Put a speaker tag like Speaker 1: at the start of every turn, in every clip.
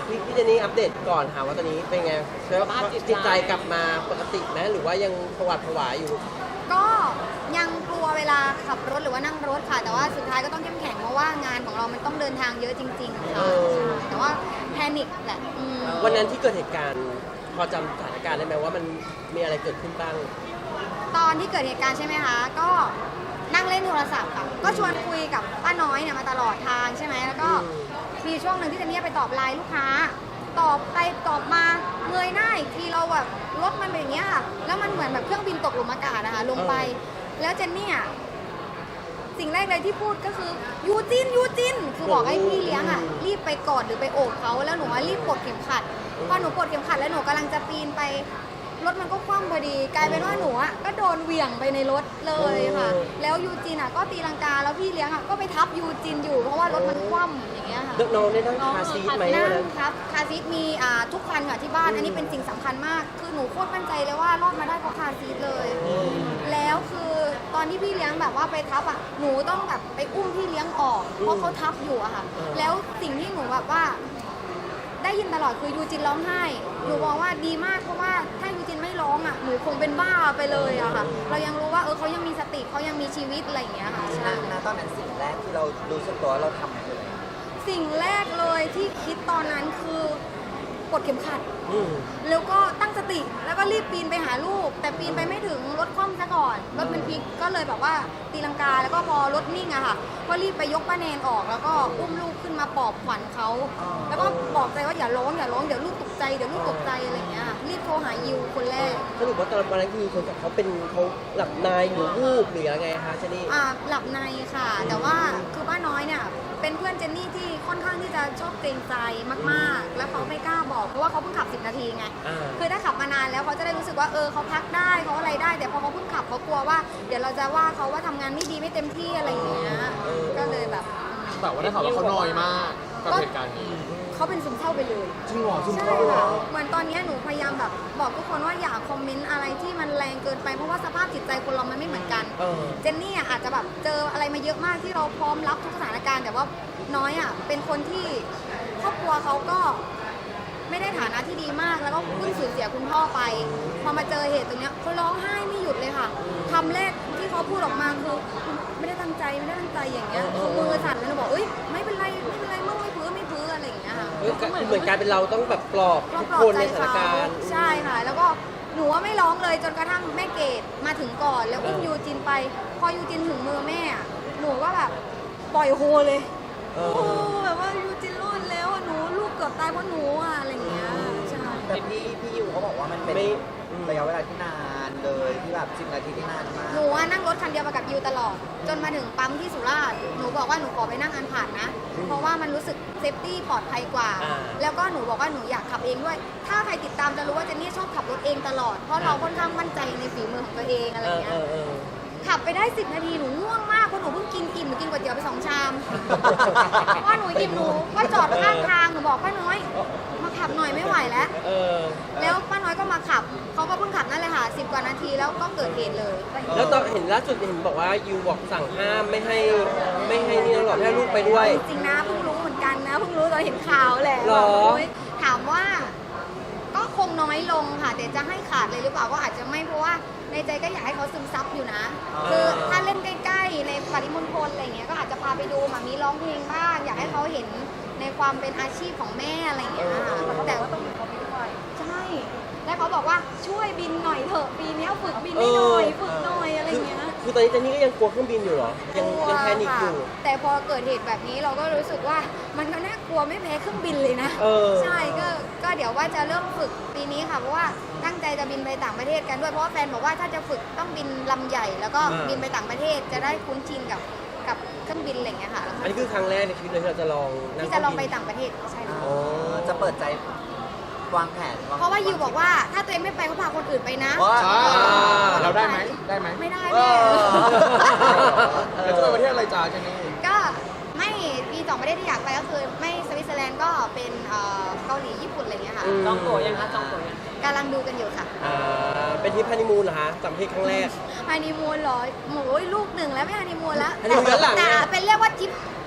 Speaker 1: พี่เจนนี่อัปเดตก่อนค่ะว่าตอนนี้เป็นไงสภาพจิตใจกลับมาปกติไหมหรือว่ายังผวาผวาอยู่
Speaker 2: ก็ยังกลัวเวลาขับรถหรือว่านั่งรถค่ะแต่ว่าสุดท้ายก็ต้องเข้มแข็งเพราะว่างานของเรามันต้องเดินทางเยอะจริงๆค่ะแต่ว่าแพนิคแหละ
Speaker 1: วันนั้นที่เกิดเหตุการณ์พอจำสถานการณ์ได้ไหมว่ามันมีอะไรเกิดขึ้นบ้าง
Speaker 2: ตอนที่เกิดเหตุการณ์ใช่ไหมคะก็นั่งเล่นโทรศัพท์ค่ะก็ชวนคุยกับป้าน้อยเนี่ยมาตลอดทางใช่ไหมแล้วก็มีช่วงหนึ่งที่เจนนี่ไปตอบไลน์ลูกค้าตอบไปตอบมาเงยหน้าอีกทีเราแบบรถมันเป็นอย่างเงี้ยค่ะแล้วมันเหมือนแบบเครื่องบินตกหลุมอากาศนะคะลงไปแล้วเจนนี่สิ่งแรกเลยที่พูดก็คือยูจินคือบอกให้พี่เลี้ยงรีบไปกอดหรือไปโอบเขาแล้วหนูรีบปลดเข็มขัดพอหนูปลดเข็มขัดแล้วหนูกำลังจะปีนไปรถมันก็คว่ำพอดีกลายเป็นว่าหนูก็โดนเหวี่ยงไปในรถเลยค่ะแล้วยูจินก็ตีลังกาแล้วพี่เลี้ยงก็ไปทับยูจินอยู่เพราะว่ารถมันคว่ำอย่างเงี้ยค่ะ
Speaker 1: น้องได้นั่งคาซีทไหม
Speaker 2: นั่งครับคาซีทมีทุกคันค่ะที่บ้านอันนี้เป็นสิ่งสำคัญมากคือหนูโคตรมั่นใจเลยว่ารอดมาได้เพราะคาซีทเลยแล้วคือตอนที่พี่เลี้ยงแบบว่าไปทับหนูต้องแบบไปอุ้มพี่เลี้ยงออกเพราะเขาทับอยู่ค่ะแล้วสิ่งที่หนูแบบว่าได้ยินตลอดคือยูจินร้องไห้หนูบอกว่าดีมากเพราะว่าถ้ายูจินไม่ร้องหนูคงเป็นบ้าไปเลยค่ะเรายังรู้ว่าเขายังมีสติเขายังมีชีวิตอะไรอย่างเงี้ยค่ะ
Speaker 3: ตอนนั้นสิ่งแรกที่เรารู้สึกตัวเราทำคืออะไร
Speaker 2: สิ่งแรกเลยที่คิดตอนนั้นคือกดเข็มขัดแล้วก็ตั้งสติแล้วก็รีบปีนไปหาลูกแต่ปีนไปไม่ถึงรถคว่ำซะก่อนรถมันพลิกก็เลยแบบว่าตีลังกาแล้วก็พอรถนิ่งค่ะก็รีบไปยกป้าแนนออกแล้วก็อุ้มลูกขึ้นมาปลอบขวัญเขาแล้วก็บอกใจว่าอย่าร้องเดี๋ยวลูกตกใจอะไรอย่างเงี้ยรีบโทรหายิวคนแรก
Speaker 1: สรุปว่าตอนนั้นคือคนกับเขาหลับในหรือวูบหรือยังไงคะเจนนี่
Speaker 2: หลับในค่ะแต่ว่าคือป้าน้อยเนี่ยเป็นเพื่อนเจนนี่ที่ค่อนข้างที่จะชอบเกรงใจมากๆแล้วเขาไม่กล้าบอกเพราะว่าเขาเพิ่งขับ10 นาทีไงคือถ้าขับมานานแล้วเขาจะได้รู้สึกว่าเขาพักได้เขาอะไรได้แต่พอเขาเพิ่งขับเขากลัวว่าเดี๋ยวเราจะว่าเขาว่าทำงานไม่ดีไม่เต็มที่อะไรอย่างเงี้ยก็เลยแบบ
Speaker 4: แต่ว่าได้ข่าวว่าเขาน้อยมากกับเหตุการณ์นี้
Speaker 2: เขาเป็นซึมเศร้าไปเลย
Speaker 4: จริงเหรอซึม
Speaker 2: เศร้าค่ะเหมือนตอนนี้หนูพยายามแบบบอกทุกคนว่าอย่าคอมเมนต์อะไรที่มันแรงเกินไปเพราะว่าสภาพจิตใจคนเรามันไม่เหมือนกันเจนนี่อาจจะแบบเจออะไรมาเยอะมากที่เราพร้อมรับทุกสถานการณ์แต่ว่าน้อยเป็นคนที่ครอบครัวเขาก็ไม่ได้ฐานะที่ดีมากแล้วก็เพิ่งสูญเสียคุณพ่อไปพอมาเจอเหตุตรงนี้เขาร้องไห้ไม่หยุดเลยค่ะคำแรกที่เขาพูดออกมาคือไม่ได้ตั้งใจอย่างเงี้ยเขามือสั่นแล้วหนูบอกไม่เป็นไรมึงไม่พื้อะไรอย่างเงี้ยค่ะ
Speaker 1: เหมือนการเป็นเราต้องแบบปลอบทุกคนในสถานการณ์
Speaker 2: ใช่ค่ะแล้วก็หนูว่าไม่ร้องเลยจนกระทั่งแม่เกดมาถึงก่อนแล้วอุ้มยูจินไปพอยูจินถึงมือแม่หนูก็แบบปล่อยโฮเลยแบบว่ายูจินรอดแล้วหนูลูกเกือบตายเพราะหนูอะไรอย่างเงี้ยใช่
Speaker 3: แต่พี่ยูเขาบอกว่ามันเป็นระยะเวลาที่นานเลยที่แบบ10 นาทีที่นานมาก
Speaker 2: หนูนั่งรถคันเดียวมากับยูตลอดจนมาถึงปั๊มที่สุราษฎร์หนูบอกว่าหนูขอไปนั่งอันผ่านนะเพราะว่ามันรู้สึกเซฟตี้ปลอดภัยกว่าแล้วก็หนูบอกว่าหนูอยากขับเองด้วยถ้าใครติดตามจะรู้ว่าเจนนี่ชอบขับรถเองตลอดเพราะเราค่อนข้างมั่นใจในฝีมือของตัวเองอะไรเงี้ยขับไปได้10 นาทีหนูง่วงมากเพราะหนูเพิ่งกินอิ่มหนูกินก๋วยเตี๋ยวไป2 ชามพอหนูอิ่มหนูก็จอดข้างทางหนูบอกป้าน้อยมาขับหน่อยไม่ไหวแล้วแล้วป้าน้อยก็มาขับเขาก็เพิ่งขับนั่นเลยค่ะ10 กว่านาทีแล้วก็เกิดเหตุเลย
Speaker 1: แล้วตอนเห็นล่าสุดเห็นบอกว่ายูบอกสั่งห้ามไม่ให้นี่หรอกให้ลูกไปด้วย
Speaker 2: จริงนะเพิ่งรู้เหมือนกันนะเพิ่งรู้ตอนเห็นข่าวแหละถามว่าก็คงน้อยลงค่ะแต่จะให้ขาดเลยหรือเปล่าก็อาจจะไม่เพราะว่าในใจก็อยากให้เขาซึมซับอยู่นะคือถ้าเล่นใกล้ๆในปริมณฑลอะไรเงี้ยก็อาจจะพาไปดูมีร้องเพลงบ้างอยากให้เขาเห็นในความเป็นอาชีพของแม่อะไรเงี้ยแต่ว่าต้องเขาบินด้วยใช่แล้วเขาบอกว่าช่วยบินหน่อยเถอะปีนี้ฝึกบินให้หน่อยฝึกหน่อยอะไรเงี้ย
Speaker 1: คือตอนนี้เจนนี่ก็ยังกลัวเครื่องบินอยู่เหรอยังแพนิคอยู่
Speaker 2: แต่พอเกิดเหตุแบบนี้เราก็รู้สึกว่ามันก็น่ากลัวไม่แพ้เครื่องบินเลยนะใช่ก็เดี๋ยวว่าจะเริ่มฝึกปีนี้ค่ะเพราะว่าตั้งใจจะบินไปต่างประเทศกันด้วยเพราะว่าแฟนบอกว่าถ้าจะฝึกต้องบินลำใหญ่แล้วก็บินไปต่างประเทศจะได้คุ้นชินกับเครื่องบินอะไรอย่างเงี้ยค่ะ
Speaker 1: อันนี้คือครั้งแรกในชีวิตเลยที่เราจะลอง
Speaker 2: ไปต่างประเทศใช่ค่ะ
Speaker 3: จะเปิดใจวางแผน
Speaker 2: เพราะว่ายูบอกว่าถ้าตัวเองไม่ไปก็พาคนอื่นไปนะ
Speaker 4: เราได้ไหม
Speaker 2: ไม่ได้แม่
Speaker 4: แล้วจะไปประเทศอะไรจ้าเจนนี่
Speaker 2: ก็ไม่มี2 ประเทศที่อยากไปก็คือไม่สวิตเซอร์แลนด์ก็เป็นเกาหลีญี่ปุ่นอะไรเงี้ยค่ะ
Speaker 3: จองตั๋วยังคะจองตั๋วยัง
Speaker 2: กำลังดูกันอยู่ค่ะ
Speaker 1: เป็นทริปฮันนีมูนเหรอคะต่างประเทศครั้งแรก
Speaker 2: ฮันนีมูนเหรอโอ้ยลูก1แล้วไม่ฮันนีมูนแล้ว
Speaker 1: ฮันนีมูนย้อนหลัง
Speaker 2: แต่เป็นเรียกว่าทริป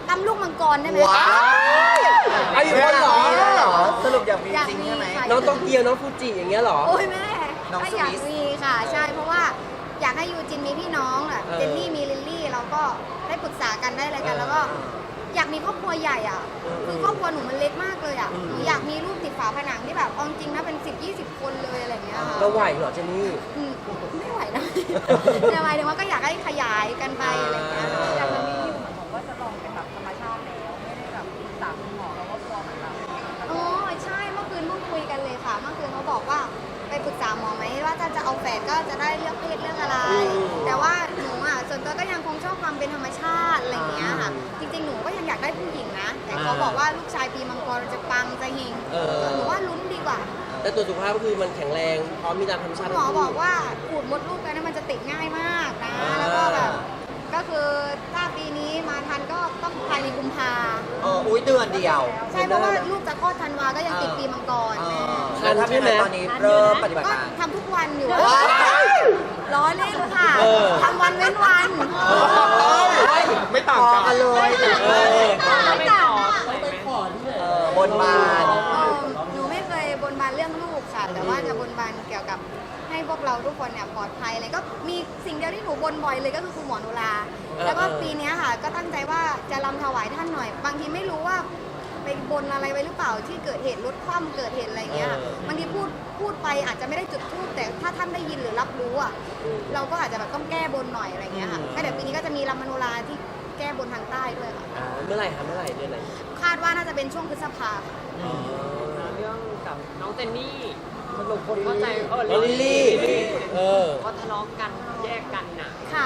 Speaker 2: ตำลูกมังกรได้ไหม
Speaker 3: ว้าว
Speaker 1: ไอ้อยู่คนเหรอ
Speaker 3: สรุปอยากมี
Speaker 2: อยาก
Speaker 3: จริง
Speaker 2: มี
Speaker 3: ใช่ไหม
Speaker 2: ค่ะ
Speaker 1: น้องโตเกียวน้องฟูจิอย่างเงี้ยเหรอ
Speaker 2: โอ้ยแม่
Speaker 3: น้อง
Speaker 2: ก็
Speaker 3: สวิส
Speaker 2: อยากมีค่ะใช่เพราะว่าอยากให้ยูจินมีพี่น้องอ่ะ
Speaker 1: เออ
Speaker 2: เจนนี่มีลิลลี่เราก็ได้ปรึกษากันได้อะไรกัน แล้วก็อยากมีครอบครัวใหญ่อ่ะคือครอบครัวหนูมันเล็กมากเลยอ่ะหนูอยากมีรูปติดฝาผนังที่แบบเอาจริงนะเป็น10-20 คนเลยอะไรอย่างเงี้ยค่ะ
Speaker 1: เราไหวเหรอเจนนี่
Speaker 2: อืมไม่ไหวนะ แต่หมายถึงว่าก็อยากให้ขยายกันไปอะไรอย่างเงี้ย
Speaker 1: อ่า
Speaker 2: อยาก
Speaker 5: ตอน
Speaker 2: มี
Speaker 5: นี้อยู่เหมือนบอกว่าจะลองเป็นแบบธรรมชาติแล้วไม่ได้แบบปรึกษาคุณหมอแล้วก็กลัวเหมือนแบบ
Speaker 2: อ๋อใช่เมื่อคืนเพิ่งคุยกันเลยค่ะเมื่อคืนเขาบอกว่าไปปรึกษาหมอไหมว่าถ้าจะเอาแฝดก็จะได้เลือกเพศเลือกอะไร แต่ว่าหนูอ่ะส่วนตัวก็ยังคงชอบความเป็นธรรมชาติอะไรอย่างเงี้ยค่ะจริงๆหนูก็ยังอยากได้ผู้หญิงนะแต่เขาบอกว่าลูกชายปีมังกรจะปังจะเฮง
Speaker 1: เออ
Speaker 2: หนูว่าลุ้นดีกว่า
Speaker 1: แต่ตัวสุขภาพก็คือมันแข็งแรงพร้อมมีตามธรรมชาติ
Speaker 2: หมอบอกว่าขูดมดลูกกันนะมันจะติดง่ายมากนะ แล้วก็แบบก็คือถ้าปีนี้มาทันก็ต้องภายในกุมภา
Speaker 3: อุ้ยเดือนเดียว
Speaker 2: ใช่เพราะว่าลูกจะคลอดธันวาก็ยังติดปีมังกรแม่
Speaker 3: แล้วถ้าเป็นอะไรตอนนี้เริ่มปฏิบัติ
Speaker 2: ก็
Speaker 3: การ
Speaker 2: ทำทุกวันอยู่
Speaker 3: ว้าย
Speaker 2: ล้อเล่นค่ะ
Speaker 1: เออ
Speaker 2: ทำวันเว้นวัน
Speaker 4: ไม่ต่าง
Speaker 3: พอ
Speaker 4: กั
Speaker 3: กัน นเลย
Speaker 2: ไม่ต่างอะ
Speaker 3: บนบาน
Speaker 2: หนูไม่เคยบนบานเรื่องลูกค่ะ แต่ว่าจะบนบานเกี่ยวกับให้พวกเราทุกคนเนี่ยปลอดภัยอะไรก็มีสิ่งเดียวที่หนูบนบ่อยเลยก็คือคุณหมอนุราแล้วก็ปีเนี้ยค่ะ ก็ตั้งใจว่าจะรำถวายท่านหน่อย บางทีไม่รู้ว่าไปบนอะไรไว้หรือเปล่าที่เกิดเหตุรถคว่ำเกิดเหตุอะไรเงี้ยค่ะบางทีพูดไปอาจจะไม่ได้จุดธูปแต่ถ้าท่านได้ยินหรือรับรู้อ่ะเราก็อาจจะแบบต้องแก้บนหน่อยอะไรเงี้ยค่ะก็เดี๋ยวปีนี้ก็จะมีรำมโนราที่แก้บนทางใต้ด้วยค่ะ
Speaker 1: เมื่อไหร่คะเมื่อไหร่เดือนไหน
Speaker 2: คาดว่าน่าจะเป็นช่วงพฤษภาค่ะ
Speaker 5: เรื่องกับน้องเจนนี่สรุปคนเข้าใจ
Speaker 1: ลิลลี่เออ
Speaker 5: ก็ทะเลาะกันแยกกันน่ะ
Speaker 2: ค่ะ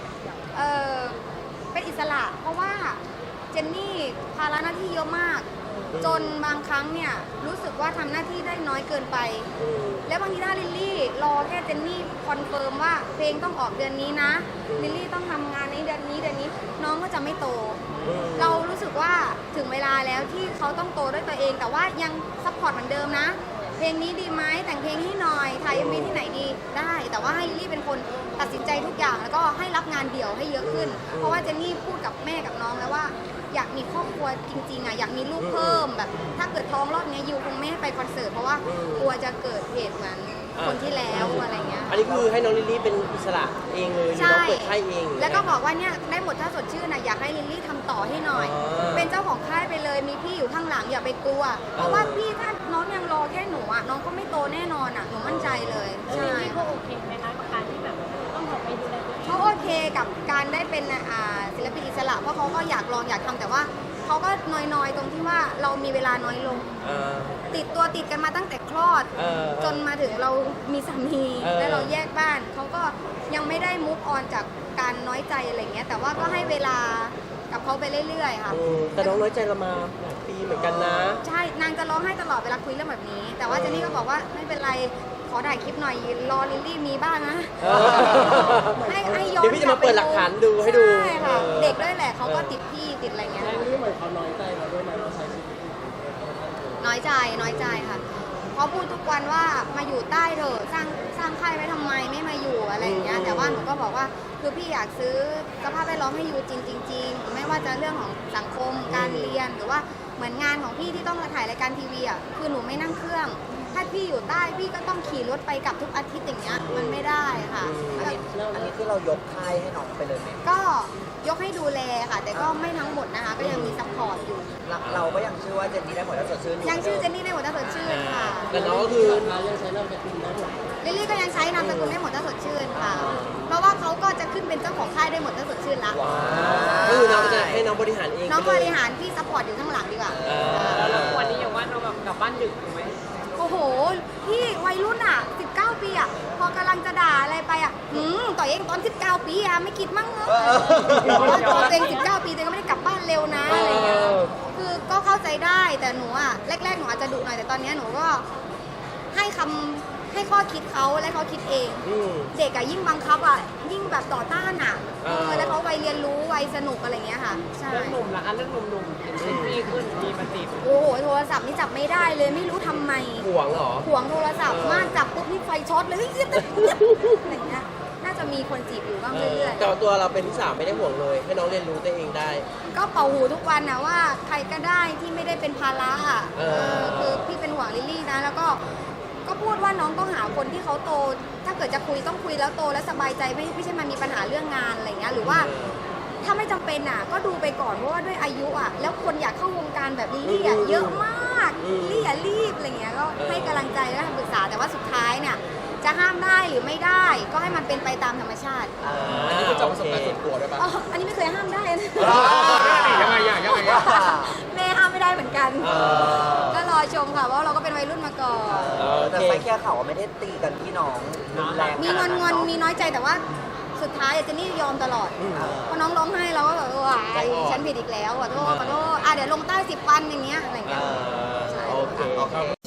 Speaker 2: เป็นอิสระเพราะว่าเจนนี่ภาระหน้าที่เยอะมาก จนบางครั้งเนี่ยรู้สึกว่าทำหน้าที่ได้น้อยเกินไป แล้วบางทีถ้าลิลลี่รอแค่เจนนี่คอนเฟิร์มว่าเพลงต้องออกเดือนนี้นะลิลลี่ต้องทำงานในเดือนนี้น้องก็จะไม่โต เรารู้สึกว่าถึงเวลาแล้วที่เขาต้องโตด้วยตัวเอง แต่ว่ายังซัพพอร์ตเหมือนเดิมนะ เพลงนี้ดีไหมแต่งเพลงให้หน่อยถ่ายมีที่ไหนดีได้ แต่ว่าให้ลิลลี่เป็นคนตัดสินใจทุกอย่างแล้วก็ให้รับงานเดี่ยวให้เยอะขึ้น เพราะว่าเจนนี่พูดกับแม่กับน้องแล้วว่าอยากมีครอบครัวจริงๆอ่ะอยากมีลูกเพิ่มแบบ ถ้าเกิดท้องรอบเนี้ยยูคงไม่ให้ไปคอนเสิร์ตเพราะว่ากลัวจะเกิดเหตุเหมือนคนที่แล้วอะไรเงี้ย
Speaker 1: อันนี้คือให้น้องลิลลี่เป็นอิสระเองเลยหรือน้องเปิดค่ายเอง
Speaker 2: แล้วก็บอกว่าเนี่ยได้หมดถ้าสดชื่นนะอยากให้ลิลลี่ทำต่อให้หน่อย เป็นเจ้าของค่ายไปเลยมีพี่อยู่ข้างหลังอย่าไปกลัว เพราะว่าพี่ถ้าน้องยังรอแค่หนูอ่ะน้องก็ไม่โตแน่นอนอ่ะหนูมั่นใจเลยใช่
Speaker 5: พี่ก็โอเคไหมคะกับการที่แบบต้องออกไปดูแลตัวเอง
Speaker 2: เขาโอเคกับการได้เป็นศิลปินอิสระเพราะเขาก็อยากลองอยากทำแต่ว่าเขาก็น้อยๆตรงที่ว่าเรามีเวลาน้อยลง ติดกันมาตั้งแต่คลอด จนมาถึงเรามีสามี แล้วเราแยกบ้านเขาก็ยังไม่ได้มุกออนจากการน้อยใจอะไรเงี้ยแต่ว่าก็ให้เวลากับเขาไปเรื่อยๆค่ะ
Speaker 1: แต่น้องน้อยใจเรามาหลายปีเหมือนกันนะ
Speaker 2: ใช่นางจะร้องไห้ตลอดเวลาคุยเรื่องแบบนี้ แต่ว่าเจนนี่ก็บอกว่าไม่เป็นไรขอถ่ายคลิปหน่อยรอลิลลี่มีบ้างนะ ให้ย้อน
Speaker 1: เดี๋ยวพี่จะมาเปิดหลักฐานดูให้ดู
Speaker 2: ใช่ค่ะเด็กด้วยแหละเขาก็ติดพี่ติดอะไรเงี้ย
Speaker 5: นี่เหมือนเขาน้อยใจเราด้วยไหมเราใช้ชีวิต
Speaker 2: น้อยใจค่ะเขาพูดทุกวันว่ามาอยู่ใต้เถอะสร้างค่ายไว้ทำไมไม่มาอยู่อะไรอย่างเงี้ยแต่ว่าหนูก็บอกว่าคือพี่อยากซื้อสภาพแวดล้อมให้อยู่จริงๆไม่ว่าจะเรื่องของสังคมการเรียนหรือว่าเหมือนงานของพี่ที่ต้องมาถ่ายรายการทีวีอ่ะคือหนูไม่นั่งเครื่อง ถ้าพี่อยู่ใต้พี่ก็ต้องขี่รถไปกลับทุกอาทิตย์อย่างเงี้ยมันไม่ได้ค่ะ
Speaker 3: อันนี้คือเรายกค่ายให้น้องไปเลยไหม
Speaker 2: ก็ยกให้ดูแลค่ะ แต่ก็ไม่ทั้งหมดนะคะ ก็ยังมีซัพพอร์ตอยู่
Speaker 3: เราก็ยังเชื่อว่าเจนนี่ได้หมดแล้วสดชื่นอยู่
Speaker 2: ยังชื่อเจนนี่ได้หมดถ้าสดชื่นค่ะ
Speaker 1: แต่น้องก็คือ
Speaker 2: ลิลลี่ก็ยังใช้นามสกุลได้หมดถ้าสดชื่นค่ะ เพราะว่าเขาก็จะขึ้นเป็นเจ้าของค่ายได้หมดถ้าสดชื่นละ
Speaker 1: ก็คือน้องจะให้น้องบริหารเอง
Speaker 2: น้องบริหารพี่ซัพพอร์ตอยู่ข้างหลังดีกว่า
Speaker 5: แล้ววันนี้อย่างว่าเราแบบกลับบ้านดึกถูกไหม
Speaker 2: โอ้โห พี่วัยรุ่นอ่ะ 19 ปีอ่ะ พอกำลังจะด่าอะไรไปอ่ะต่อเองตอน 19 ปีอ่ะ ไม่คิดมั้งเหรอว่าตอนตัวเอง 19 ปีตัวเองก็ไม่ได้กลับบ้านเร็วนะอะไรเงี้ย คือก็เข้าใจได้แต่หนูอ่ะแรกๆหนูอาจจะดุหน่อยแต่ตอนนี้หนูก็ให้ข้อคิดเขาและเขาคิดเอง เด็กอะยิ่งบังคับอะยิ่งแบบต่อต้านอะแล้วเขาวัยเรียนรู้วัยสนุกอะไรเงี้ยค่ะใช่
Speaker 5: เรื่องหนุ่มล่ะคะเรื่องหนุ่มๆเห็นเป็นพี่ขึ้นมีมาติด
Speaker 2: โอ้โหโทรศัพท์นี่จับไม่ได้เลยไม่รู้ทำไม
Speaker 1: ห่วงเหรอ
Speaker 2: ห่วงโทรศัพท์มากจับปุ๊บนี่ไฟช็อตเลยเฮ้ยอะไรเงี้ยน่าจะมีคนจีบอยู่บ้างเรื่อย
Speaker 1: แต่ว่าตัวเราเป็นที่สามไม่ได้ห่วงเลย ให้น้องเรียนรู้ตัวเองได้
Speaker 2: ๆก็เป่าหูทุกวันนะว่าใครก็ได้ที่ไม่ได้เป็นภาระอะคือพี่เป็นห่วงลิลลี่นะแล้วก็พูดว่าน้องต้องหาคนที่เขาโต ถ้าเกิดจะคุยต้องคุยแล้วโตแล้วสบายใจไม่ใช่มามีปัญหาเรื่องงานอะไรเงี้ยหรือว่าถ้าไม่จำเป็นอ่ะก็ดูไปก่อนเพราะว่าด้วยอายุอ่ะแล้วคนอยากเข้าวงการแบบลิลลี่อ่ะเยอะมากลิลลี่อย่ารีบอะไรเงี้ยก็ให้กำลังใจและคำปรึกษาแต่ว่าสุดท้ายเนี่ยจะห้ามได้หรือไม่ได้ ก็ให้มันเป็นไปตามธรรมชาติ
Speaker 4: อันนี้คือจากประสบการณ์ส่วนตัวด้วยป่ะ
Speaker 2: อ๋ออันนี้ไม่เคยห้ามได้นะ
Speaker 4: ยังไงยังไง
Speaker 2: แม่ห้ามไม่ได้เหมือนกัน ก็รอชมค่ะเพราะเราก็เป็นวัยรุ่นมาก่อน
Speaker 3: แต่ไปแค่เขาไม่ได้ตีกันพี่น้องรุนแรง
Speaker 2: มีงอนมีน้อยใจแต่ว่าสุดท้ายเจนนี่ยอมตลอดพอน้องร้องไห้เราก็แบบว้ายฉันผิดอีกแล้วขอโทษเดี๋ยวลงใต้10 วันอย่างเงี้ยอะไรอย่างเงี้ย
Speaker 1: โอเค